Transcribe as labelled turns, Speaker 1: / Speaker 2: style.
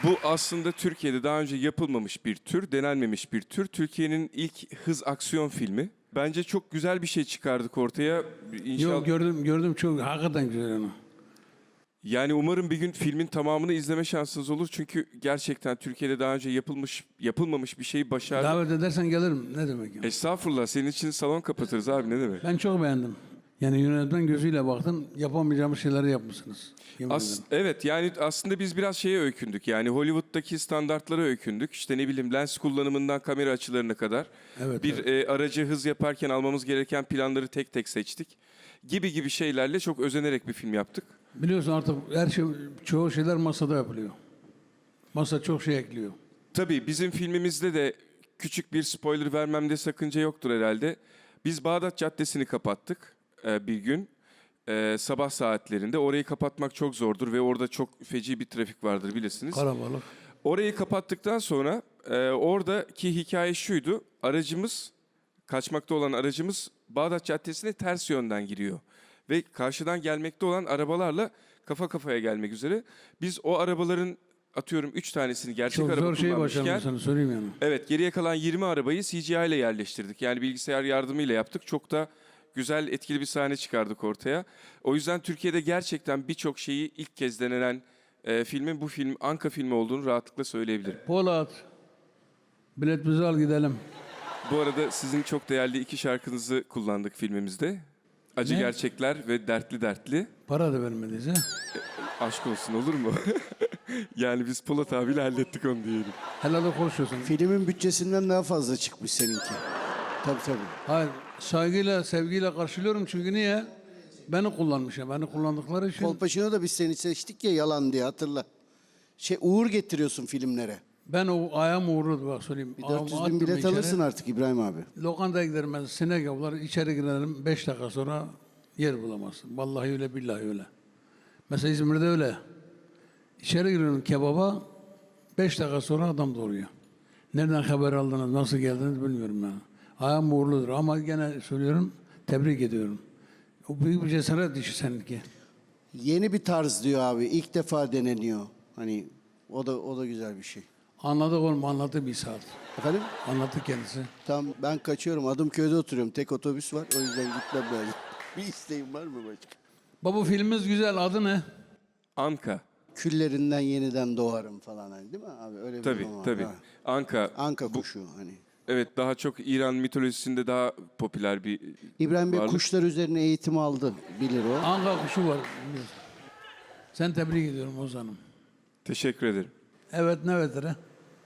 Speaker 1: Bu aslında Türkiye'de daha önce yapılmamış bir tür, denenmemiş bir tür. Türkiye'nin ilk hız aksiyon filmi. Bence çok güzel bir şey çıkardık ortaya. İnşallah.
Speaker 2: Yok gördüm çok hakikaten güzel onu.
Speaker 1: Yani umarım bir gün filmin tamamını izleme şansınız olur. Çünkü gerçekten Türkiye'de daha önce yapılmamış bir şeyi başardı.
Speaker 2: Davet edersen gelirim. Ne demek ya?
Speaker 1: Estağfurullah, senin için salon kapatırız abi, ne demek.
Speaker 2: Ben çok beğendim. Yani yönetmen gözüyle baktım. Yapamayacağımız şeyleri yapmışsınız. Yemin ederim.
Speaker 1: Evet, yani aslında biz biraz şeye öykündük. Yani Hollywood'daki standartlara öykündük. İşte ne bileyim, lens kullanımından kamera açılarına kadar.
Speaker 2: Evet,
Speaker 1: Bir aracı hız yaparken almamız gereken planları tek tek seçtik. Gibi şeylerle çok özenerek bir film yaptık.
Speaker 2: Biliyorsun artık her şey, çoğu şeyler masada yapılıyor. Masa çok şey ekliyor.
Speaker 1: Tabii bizim filmimizde de küçük bir spoiler vermemde sakınca yoktur herhalde. Biz Bağdat Caddesi'ni kapattık bir gün. Sabah saatlerinde. Orayı kapatmak çok zordur ve orada çok feci bir trafik vardır, bilirsiniz.
Speaker 2: Karabalık.
Speaker 1: Orayı kapattıktan sonra oradaki hikaye şuydu. Kaçmakta olan aracımız Bağdat Caddesi'ne ters yönden giriyor. Ve karşıdan gelmekte olan arabalarla kafa kafaya gelmek üzere. Biz o arabaların atıyorum 3 tanesini gerçek
Speaker 2: Çok
Speaker 1: araba
Speaker 2: zor şey
Speaker 1: kullanmışken...
Speaker 2: başardım sana söyleyeyim yani.
Speaker 1: Evet, geriye kalan 20 arabayı CGI ile yerleştirdik. Yani bilgisayar yardımıyla yaptık. Çok da güzel, etkili bir sahne çıkardık ortaya. O yüzden Türkiye'de gerçekten birçok şeyi ilk kez denenen filmin bu film Anka filmi olduğunu rahatlıkla söyleyebilirim.
Speaker 2: Polat. Biletimizi al gidelim.
Speaker 1: Bu arada sizin çok değerli 2 şarkınızı kullandık filmimizde. Acı
Speaker 2: Ne?
Speaker 1: Gerçekler ve Dertli Dertli.
Speaker 2: Para da vermediniz ha.
Speaker 1: Aşk olsun, olur mu? Yani biz Polat abiyle hallettik onu diyelim.
Speaker 2: Helal konuşuyorsun.
Speaker 3: Filmin bütçesinden daha fazla çıkmış seninki. Tabii.
Speaker 2: Hayır, saygıyla, sevgiyle karşılıyorum çünkü niye? Beni kullanmışlar, beni kullandıkları için.
Speaker 3: Kolpaçino da biz seni seçtik ya, yalan diye, hatırla. Uğur getiriyorsun filmlere.
Speaker 2: Ben o ayağım uğurludu bak söyleyeyim.
Speaker 3: Bir
Speaker 2: Ayağımı
Speaker 3: 400 bin
Speaker 2: attım
Speaker 3: bilet
Speaker 2: içeri.
Speaker 3: alırsın artık İbrahim abi.
Speaker 2: Lokantaya giderim ben, sinek avlar, içeri girelim, 5 dakika sonra yer bulamazsın. Vallahi öyle, billahi öyle. Mesela İzmir'de öyle. İçeri giriyorum kebaba, 5 dakika sonra adam doğuruyor. Nereden haber aldınız, nasıl geldiniz bilmiyorum ben. Ayağım uğurludur ama gene söylüyorum, tebrik ediyorum. O büyük bir cesaret işi seninki.
Speaker 3: Yeni bir tarz diyor abi. İlk defa deneniyor. Hani o da güzel bir şey.
Speaker 2: Anladık oğlum, anlattı bir saat.
Speaker 3: Efendim?
Speaker 2: Anlattı kendisi.
Speaker 3: Tamam, ben kaçıyorum. Adımköy'de oturuyorum. Tek otobüs var. O yüzden gitmem lazım. Bir isteğin var mı başka?
Speaker 2: Baba filmimiz güzel, adı ne?
Speaker 1: Anka.
Speaker 3: Küllerinden yeniden doğarım falan, hani, değil mi abi? Öyle bir
Speaker 1: Tabii,
Speaker 3: durum var.
Speaker 1: tabii.
Speaker 3: Ha.
Speaker 1: Anka.
Speaker 3: Anka kuşu hani.
Speaker 1: Evet, daha çok İran mitolojisinde daha popüler bir
Speaker 3: İbrahim Bey
Speaker 1: varlık.
Speaker 3: kuşlar üzerine eğitim aldı. Bilir o.
Speaker 2: Anka kuşu var. Sen tebrik ediyorum Ozan'ım.
Speaker 1: Teşekkür ederim.
Speaker 2: Evet, ne vetere?